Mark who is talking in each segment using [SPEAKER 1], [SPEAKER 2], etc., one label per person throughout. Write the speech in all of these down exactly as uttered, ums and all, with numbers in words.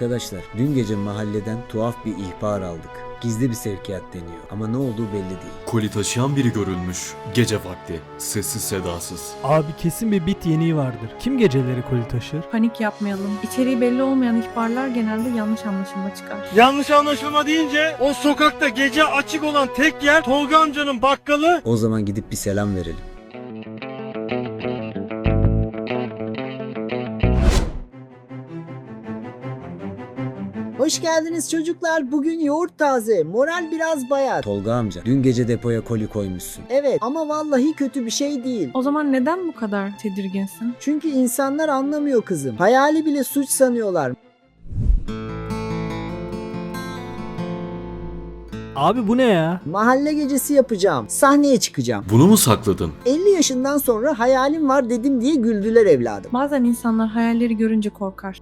[SPEAKER 1] Arkadaşlar, dün gece mahalleden tuhaf bir ihbar aldık. Gizli bir sevkiyat deniyor ama ne olduğu belli değil.
[SPEAKER 2] Koli taşıyan biri görülmüş. Gece vakti. Sessiz sedasız.
[SPEAKER 3] Abi kesin bir bit yeniği vardır. Kim geceleri koli taşır?
[SPEAKER 4] Panik yapmayalım. İçeriği belli olmayan ihbarlar genelde yanlış anlaşılma çıkar.
[SPEAKER 5] Yanlış anlaşılma deyince o sokakta gece açık olan tek yer Tolga amcanın bakkalı.
[SPEAKER 1] O zaman gidip bir selam verelim.
[SPEAKER 6] Hoş geldiniz çocuklar. Bugün yoğurt taze. Moral biraz bayat.
[SPEAKER 1] Tolga amca, dün gece depoya koli koymuşsun.
[SPEAKER 6] Evet ama vallahi kötü bir şey değil.
[SPEAKER 4] O zaman neden bu kadar tedirginsin?
[SPEAKER 6] Çünkü insanlar anlamıyor kızım. Hayali bile suç sanıyorlar.
[SPEAKER 3] Abi bu ne ya?
[SPEAKER 6] Mahalle gecesi yapacağım. Sahneye çıkacağım.
[SPEAKER 2] Bunu mu sakladın?
[SPEAKER 6] elli yaşından sonra hayalim var dedim diye güldüler evladım.
[SPEAKER 4] Bazen insanlar hayalleri görünce korkar.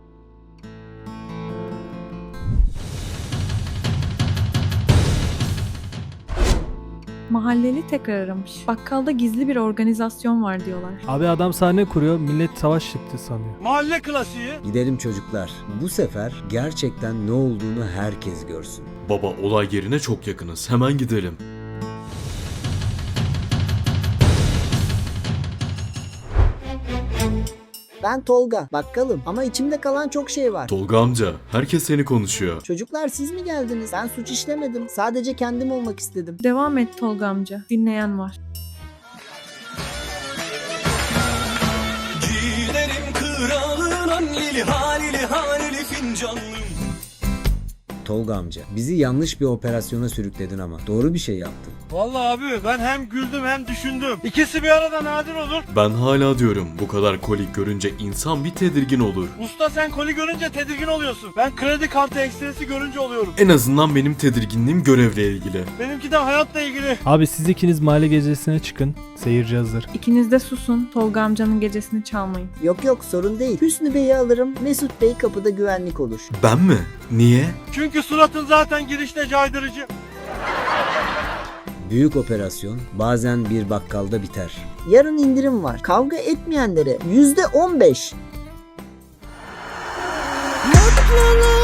[SPEAKER 4] Mahalleli tekrar aramış. Bakkalda gizli bir organizasyon var diyorlar.
[SPEAKER 3] Abi adam sahne kuruyor, millet savaş çıktı sanıyor.
[SPEAKER 5] Mahalle klasiği.
[SPEAKER 1] Gidelim çocuklar. Bu sefer gerçekten ne olduğunu herkes görsün.
[SPEAKER 2] Baba, olay yerine çok yakınız. Hemen gidelim.
[SPEAKER 6] Ben Tolga, bakkalım ama içimde kalan çok şey var.
[SPEAKER 2] Tolga amca, herkes seni konuşuyor.
[SPEAKER 6] Çocuklar siz mi geldiniz? Ben suç işlemedim. Sadece kendim olmak istedim.
[SPEAKER 4] Devam et Tolga amca. Dinleyen var.
[SPEAKER 7] Giderim kralın lili halili halili fincanlım.
[SPEAKER 1] Tolga amca, bizi yanlış bir operasyona sürükledin ama doğru bir şey yaptın.
[SPEAKER 5] Vallahi abi ben hem güldüm hem düşündüm. İkisi bir arada nadir olur.
[SPEAKER 2] Ben hala diyorum, bu kadar koli görünce insan bir tedirgin olur.
[SPEAKER 5] Usta sen koli görünce tedirgin oluyorsun. Ben kredi kartı ekstresi görünce oluyorum.
[SPEAKER 2] En azından benim tedirginliğim görevle ilgili.
[SPEAKER 5] Benimki de hayatla ilgili.
[SPEAKER 3] Abi siz ikiniz mahalle gecesine çıkın. Seyirci hazır.
[SPEAKER 4] İkiniz de susun. Tolga amcanın gecesini çalmayın.
[SPEAKER 6] Yok yok sorun değil. Hüsnü Bey'i alırım. Mesut Bey kapıda güvenlik olur.
[SPEAKER 2] Ben mi? Niye?
[SPEAKER 5] Çünkü suratın zaten girişte caydırıcı.
[SPEAKER 1] Büyük operasyon bazen bir bakkalda biter.
[SPEAKER 6] Yarın indirim var. Kavga etmeyenlere yüzde on beş. Mutluluk